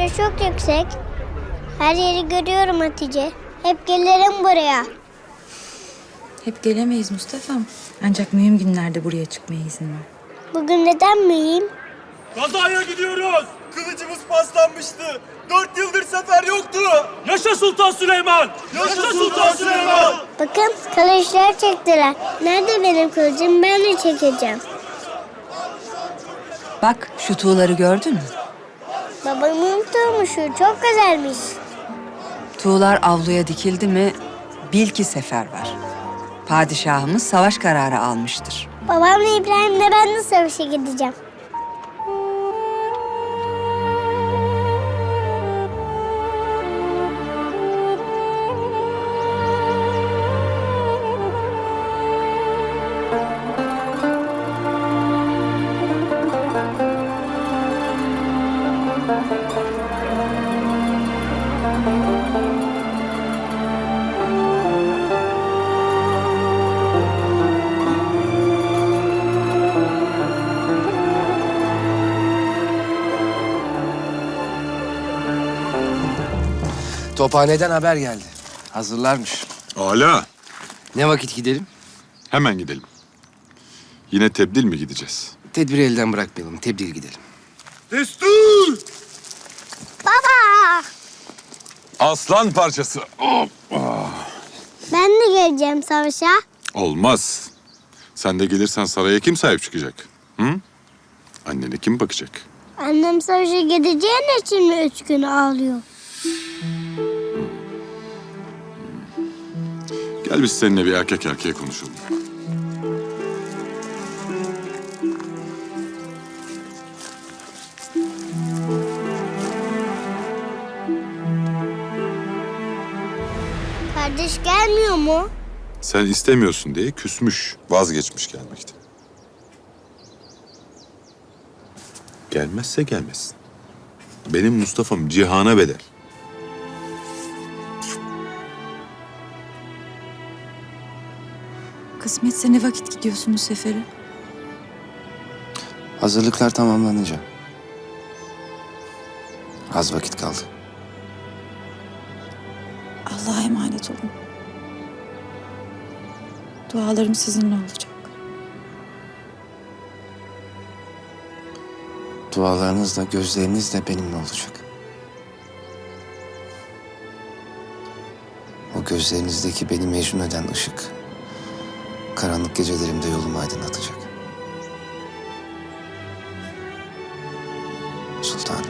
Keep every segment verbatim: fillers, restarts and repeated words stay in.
Burası çok yüksek. Her yeri görüyorum Hatice. Hep gelirim buraya. Hep gelemeyiz Mustafa'm. Ancak mühim günlerde buraya çıkmaya izin ver. Bugün neden mühim? Kazaya gidiyoruz. Kılıcımız paslanmıştı. Dört yıldır sefer yoktu. Yaşa Sultan Süleyman! Yaşa Sultan Süleyman! Bakın kılıçlar çektiler. Nerede benim kılıcım? Ben de çekeceğim. Bak şu tuğları gördün mü? Babamın tutmuşu çok güzelmiş. Tuğlar avluya dikildi mi bil ki sefer var. Padişahımız savaş kararı almıştır. Babamla İbrahim'le ben de savaşa gideceğim. Tophaneden haber geldi. Hazırlarmış. Hala. Ne vakit gidelim? Hemen gidelim. Yine tebdil mi gideceğiz? Tedbiri elden bırakmayalım. Tebdil gidelim. Destur! Baba! Aslan parçası. Hop. Ben de geleceğim savaşa. Olmaz. Sen de gelirsen saraya kim sahip çıkacak? Hı? Annene kim bakacak? Annem savaşa gideceğin için mi üç gün ağlıyor? Gel biz seninle bir erkek erkeğe konuşalım. Kardeş gelmiyor mu? Sen istemiyorsun diye küsmüş, vazgeçmiş gelmekten. Gelmezse gelmesin. Benim Mustafa'm cihana bedel. Kısmetse ne vakit gidiyorsunuz sefere? Hazırlıklar tamamlanınca. Az vakit kaldı. Allah'a emanet olun. Dualarım sizinle olacak. Dualarınız da gözleriniz de benimle olacak. O gözlerinizdeki beni mecnun eden ışık, karanlık gecelerimde yolumu aydınlatacak. Sultanım.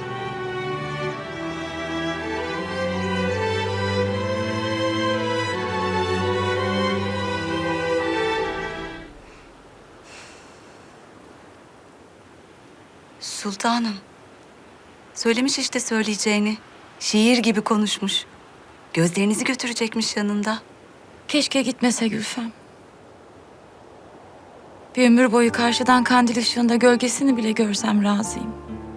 Sultanım. Söylemiş işte söyleyeceğini. Şiir gibi konuşmuş. Gözlerinizi götürecekmiş yanında. Keşke gitmese Gülfem. Bir ömür boyu karşıdan kandil ışığında gölgesini bile görsem razıyım.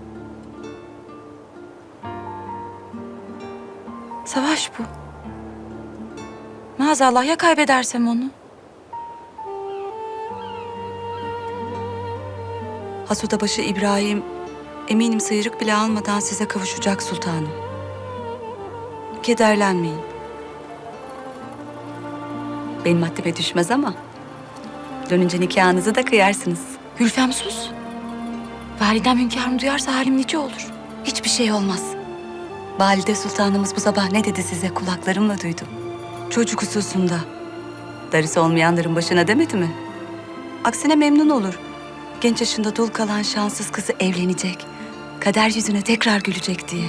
Savaş bu. Maazallah ya kaybedersem onu? Hasudabaşı İbrahim eminim sıyrık bile almadan size kavuşacak sultanım. Kederlenmeyin. Benim haddime düşmez ama dönünce nikahınızı da kıyarsınız. Gülfem sus. Validem hünkârım duyarsa halim nice olur. Hiçbir şey olmaz. Valide Sultanımız bu sabah ne dedi size kulaklarımla duydum. Çocuk hususunda. Darısı olmayanların başına demedi mi? Aksine memnun olur. Genç yaşında dul kalan şanssız kızı evlenecek. Kader yüzüne tekrar gülecek diye.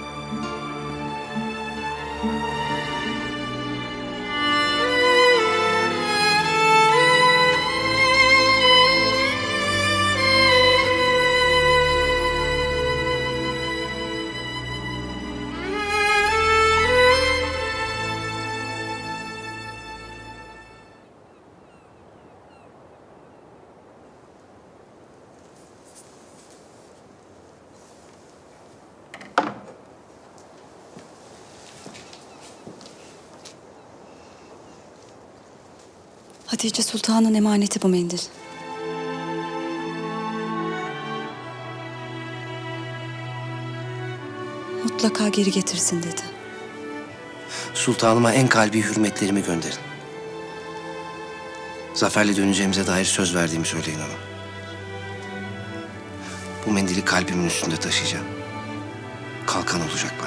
Hatice Sultan'ın emaneti bu mendil. Mutlu mutlaka geri getirsin dedi. Sultanıma en kalbi hürmetlerimi gönderin. Zaferle döneceğimize dair söz verdiğimi söyleyin ona. Bu mendili kalbimin üstünde taşıyacağım. Kalkan olacak bana.